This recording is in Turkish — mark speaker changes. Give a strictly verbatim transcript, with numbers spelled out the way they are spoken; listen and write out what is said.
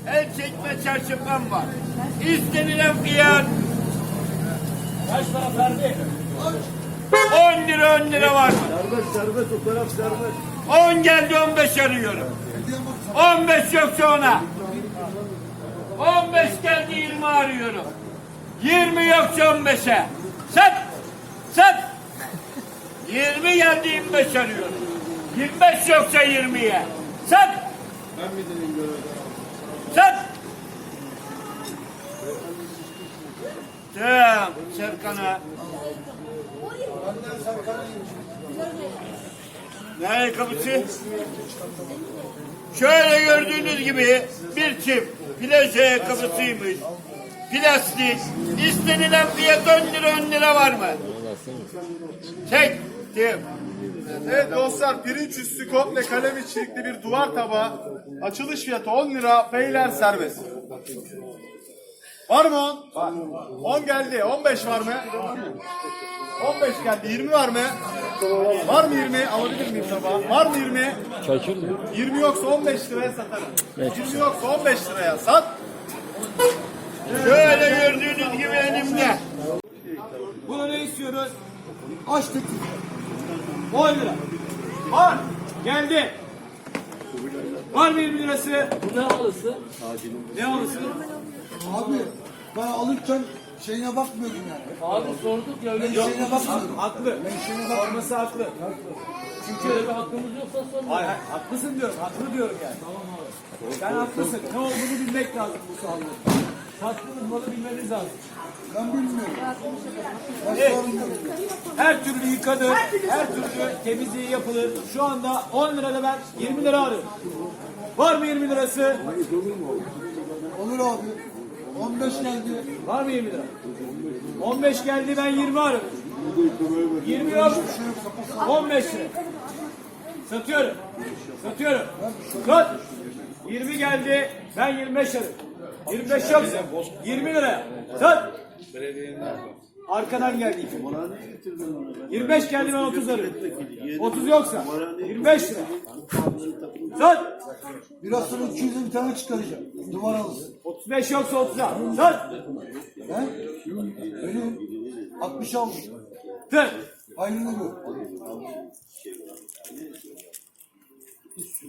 Speaker 1: El çekme çarşafım var. İstenilen fiyat
Speaker 2: Kaç para Ferdi?
Speaker 1: on lira on lira var mı?
Speaker 3: Serbest serbest o taraf serbest.
Speaker 1: on geldi on beş arıyorum. on beş yoksa ona. on beş geldi yirmi arıyorum. yirmi yoksa on beşe. Sat! Sat! yirmi geldi yirmi beş arıyorum. yirmi beş yoksa yirmiye. Sat!
Speaker 3: Ben mi dedim göre?
Speaker 1: Sat! Tamam Serkan'a. Ne ayakkabısı? Şöyle gördüğünüz gibi bir çift plaj ayakkabısıymış. Plastik. İstenilen fiyat on lira on lira var mı? Çektim.
Speaker 4: Evet dostlar, pirinç üstü komple kalem içerikli bir duvar tabağı. Açılış fiyatı on lira, peyler serbest. Var mı on? Var. on geldi, on beş var mı? on beş geldi, yirmi var mı? Var mı yirmi? Alabilir miyim tabağı? Var mı yirmi? yirmi yoksa on beş liraya satarım. yirmi yoksa on beş liraya sat.
Speaker 1: Şöyle gördüğünüz gibi elimde.
Speaker 2: Bunu ne istiyoruz? Açtık. on lira. Var. Geldi. Var mı yirmi lirası? Bu ne halısı? Ne halısı?
Speaker 5: Abi ben alırken şeyine bakmıyordum yani.
Speaker 2: Abi sorduk ya öyle.
Speaker 5: Ben şeyine bakmıyordum.
Speaker 2: Haklı. Sorması haklı. Çünkü öyle bir hakkımız yoksa sorma. Hayır, hayır, haklısın diyorum. Haklı diyorum yani. Tamam abi. Sen haklısın. Ne olduğunu bilmek lazım bu sağlıkta. Sattığınız malı bilmeniz lazım.
Speaker 5: Ben bilmiyorum. Ben
Speaker 2: Evet.
Speaker 5: sormuyorum.
Speaker 2: Her türlü yıkanır, her türlü temizliği yapılır. Şu anda on lirada ben yirmi lira arıyorum. Var mı yirmi lirası?
Speaker 5: Olur abi. on beş geldi.
Speaker 2: Var mı yirmi lira? on beş geldi ben yirmi arıyorum. yirmi yok. on beş lira. Satıyorum. Satıyorum. Sat. yirmi geldi ben yirmi beş arıyorum. yirmi beş yoksa yirmi lira. Sat. Arkadan geldi. yirmi beş geldi ben otuz arıyorum. otuz yoksa yirmi beş lira. Sat.
Speaker 5: Biraz sonra iki yüze bir tane çıkaracağım. Duvar alırsın.
Speaker 2: otuz beş yoksa otuza. Sat.
Speaker 5: He? Benim altmış aldım.
Speaker 2: Tır.
Speaker 5: Aynını gör.